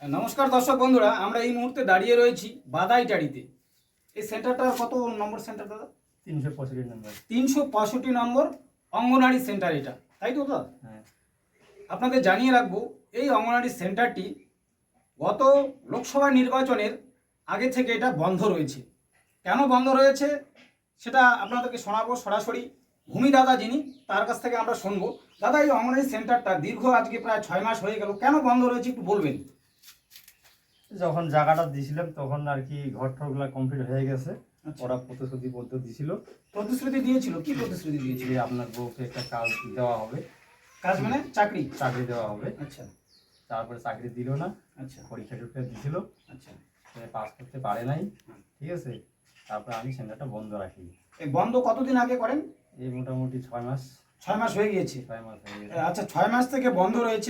নমস্কার দর্শক বন্ধুরা, আমরা এই মুহূর্তে দাঁড়িয়ে রয়েছি বাদাইটারিতে। এই সেন্টারটার কত নম্বর সেন্টার দাদা? 365 নম্বর। 365 নম্বর অঙ্গনারী সেন্টার এটা, তাই তো দাদা? হ্যাঁ। আপনাদের জানিয়ে রাখবো, এই অঙ্গনারী সেন্টারটি গত লোকসভা নির্বাচনের আগে থেকে এটা বন্ধ রয়েছে। কেন বন্ধ রয়েছে সেটা আপনাদেরকে শোনাবো সরাসরি। ভূমি দাদা যিনি, তার কাছ থেকে আমরা শুনবো। দাদা, এই অঙ্গনারী সেন্টারটা দীর্ঘ আজকে প্রায় 6 মাস হয়ে গেল, কেন বন্ধ রয়েছে একটু বলবেন? যখন জায়গাটা দিয়েছিলাম তখন আর কি ঘর ঠরগুলা কমপ্লিট হয়ে গেছে। আচ্ছা। ওরা প্রতিশ্রুতিবদ্ধ দিছিল। প্রতিশ্রুতি দিয়েছিল, কি প্রতিশ্রুতি দিয়েছিল? যে আপনার বউকে একটা কাজ দেওয়া হবে। কাজ মানে চাকরি? চাকরি দেওয়া হবে। আচ্ছা। তারপরে চাকরি দিল না। আচ্ছা। পরীক্ষা টরীক্ষা দিছিল, আচ্ছা। পাস করতে পারে নাই। ঠিক আছে, তারপরে আমি সেন্টারটা বন্ধ রাখি। এই বন্ধ কতদিন আগে করেন? এই মোটামুটি 6 মাস। 6 মাস হয়ে গিয়েছে। 6 মাস হয়ে গেছে। আচ্ছা, 6 মাস থেকে বন্ধ রয়েছে।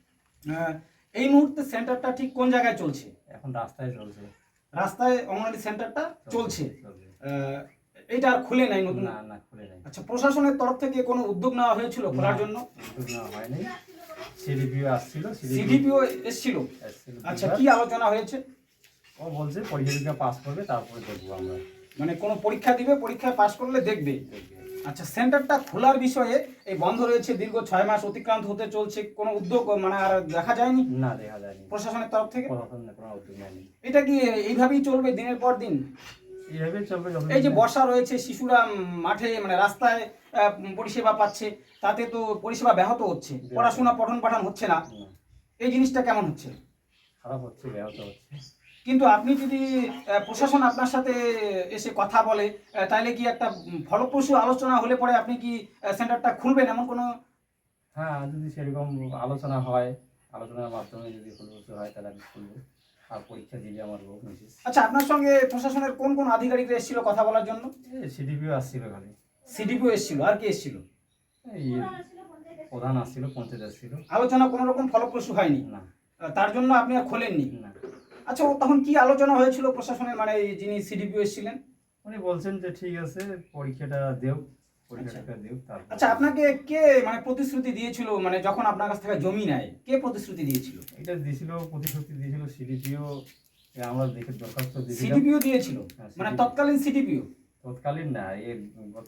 এই মুহূর্তে সেন্টারটা ঠিক কোন জায়গায় চলছে? এখন রাস্তায় চলছে। রাস্তায় অঙ্গনারী সেন্টারটা চলছে। চলছে। এইটা আর খুলে নাই নতুন? না না, খুলে নাই। আচ্ছা, প্রশাসনের তরফ থেকে কোনো উদ্যোগ নেওয়া হয়েছিল খোলার জন্য? উদ্যোগ নেওয়া হয়নি। সিডিপিও আসছিল। সিডিপিও এসেছিল। আচ্ছা, কি আলোচনা হয়েছে? ও বলছে পরীক্ষা পাস করবে, তারপরে দেখবো আমরা। মানে কোনো পরীক্ষা দিবে, পরীক্ষায় পাস করলে দেখবে। আচ্ছা, সেন্টারটা খোলার বিষয়ে এই বন্ধ রয়েছে দীর্ঘ 6 মাস অতিক্রান্ত হতে চলছে, কোনো উদ্যোগ মানে আর দেখা যায়নি? না, দেখা যায়নি প্রশাসনের তরফ থেকে কোনো উদ্যোগ নেয়নি। এটা কি এইভাবেই চলবে দিনের পর দিন? এইভাবেই চলবে। এই যে বর্ষা রয়েছে, শিশুরা মাঠে মানে রাস্তায় পরিষেবা পাচ্ছে, তাতে তো পরিষেবা ব্যাহত হচ্ছে, পড়াশোনা পঠন পাঠন হচ্ছে না। এই জিনিসটা কেমন হচ্ছে? খারাপ হচ্ছে, ব্যাহত হচ্ছে। কিন্তু আপনি যদি প্রশাসন আপনার সাথে এসে কথা বলে, তাহলে কি একটা ফলপ্রসূ আলোচনা হলে পরে আপনি কি সেন্টারটা খুলবেন এমন কোনো? হ্যাঁ, যদি সেরকম আলোচনা হয়, আলোচনার মাধ্যমে যদি ফলপ্রসূ হয় তাহলে আমি খুলবো। আর পরীক্ষা দিলে আমার লোক মিসেস। আচ্ছা, আপনার সঙ্গে প্রশাসনের কোন কোন আধিকারিকরা এসেছিল কথা বলার জন্য? সিডিপিও আসছিল খালি। সিডিপিও এসেছিল, আর কি এসেছিল? এই প্রধান আসছিল, পঞ্চায়েত আসছিল। আলোচনা কোনো রকম ফলপ্রসূ হয়নি? না। তার জন্য আপনি আর খোলেননি? না। আচ্ছা, তখন কি আলোচনা হয়েছিল প্রশাসনের, মানে যিনি সিডিপিও এসেছিলেন? উনি বলছেন যে ঠিক আছে, পরীক্ষাটা দেও, পরীক্ষাটা দেও। আচ্ছা, আপনাকে কে মানে প্রতিশ্রুতি দিয়েছিল, মানে যখন আপনার কাছ থেকে জমি নেয় কে প্রতিশ্রুতি দিয়েছিল? এটা দিয়েছিল, প্রতিশ্রুতি দিয়েছিল সিডিপিও। আমরা দেখে দরখাস্ত দিয়েছিলাম। সিডিপিও দিয়েছিল? হ্যাঁ, মানে তৎকালীন সিডিপিও? তৎকালীন না, এর গত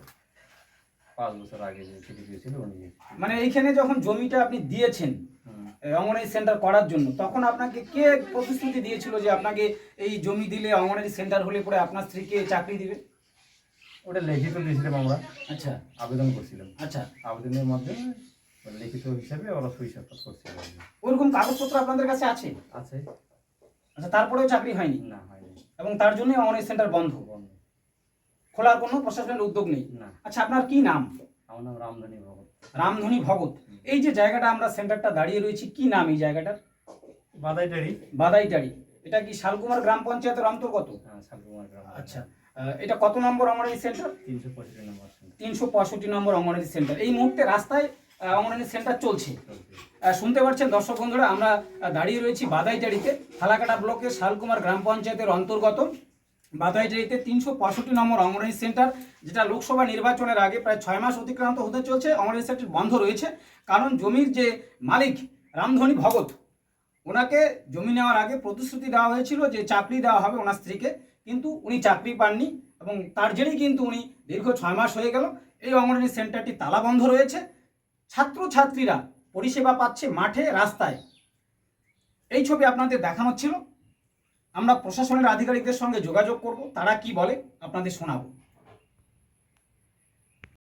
5 বছর আগে যে সিডিপিও ছিল উনি। মানে এইখানে যখন জমিটা আপনি দিয়েছেন অঙ্গনারী সেন্টার করার জন্য, তখন আপনাকে কে প্রতিশ্রুতি দিয়েছিল যে আপনাকে এই জমি দিলে অঙ্গনারী সেন্টার হলে পরে আপনার স্ত্রীকে চাকরি দিবে? ওটা লিখিত দিয়েছিলাম আমরা। আচ্ছা। আবেদন করছিলাম। আচ্ছা। আবেদনের মাধ্যমে লিখিত হিসাবে ওরা সই সাক্ষাৎ করছিল। ওরকম কাগজপত্র আপনাদের কাছে আছে? আছে। আচ্ছা, তারপরেও চাকরি হয়নি? না, হয়নি। এবং তার জন্যই অঙ্গনারী সেন্টার বন্ধ? বন্ধ। খোলার কোনো প্রশাসনের উদ্যোগ নেই? না। আচ্ছা, আপনার কি নাম? আমার নাম রামধনী ভগত। রামধনী ভগত। এই যে জায়গাটা আমরা সেন্টারটা দাঁড়িয়ে রয়েছি, কি নাম এই জায়গাটার? বাদাইটারি। বাদাইটারি। এটা কি শালকুমার গ্রাম পঞ্চায়েতের অন্তর্গত? হ্যাঁ, শালকুমার গ্রাম। আচ্ছা, এটা কত নম্বর অঙ্গনারী সেন্টার? 365 নম্বর। 365 নম্বর অঙ্গনারী সেন্টার। এই মুহূর্তে রাস্তায় অঙ্গনারী সেন্টার চলছে। শুনতে পাচ্ছেন দর্শক বন্ধুরা, আমরা দাঁড়িয়ে রয়েছি বাদাইটারিতে, ফালাকাটা ব্লকের শালকুমার গ্রাম পঞ্চায়েতের অন্তর্গত বাদাইটারিতে 365 নম্বর অঙ্গনারী সেন্টার, যেটা লোকসভা নির্বাচনের আগে প্রায় 6 মাস অতিক্রান্ত হতে চলছে। অঙ্গনারী সেন্টার বন্ধ রয়েছে কারণ জমির যে মালিক রামধনী ভগত, ওনাকে জমি নেওয়ার আগে প্রতিশ্রুতি দেওয়া হয়েছিল যে চাকরি দেওয়া হবে ওনার স্ত্রীকে, কিন্তু উনি চাকরি পাননি এবং তার জেরেই কিন্তু উনি দীর্ঘ 6 মাস হয়ে গেল এই অঙ্গনারী সেন্টারটি তালাবন্ধ রয়েছে। ছাত্রছাত্রীরা পরিষেবা পাচ্ছে মাঠে, রাস্তায়। এই ছবি আপনাদের দেখানো ছিল। আমরা প্রশাসনের আধিকারিকদের সঙ্গে যোগাযোগ করব, তারা কি বলে আপনাদের শোনাবো।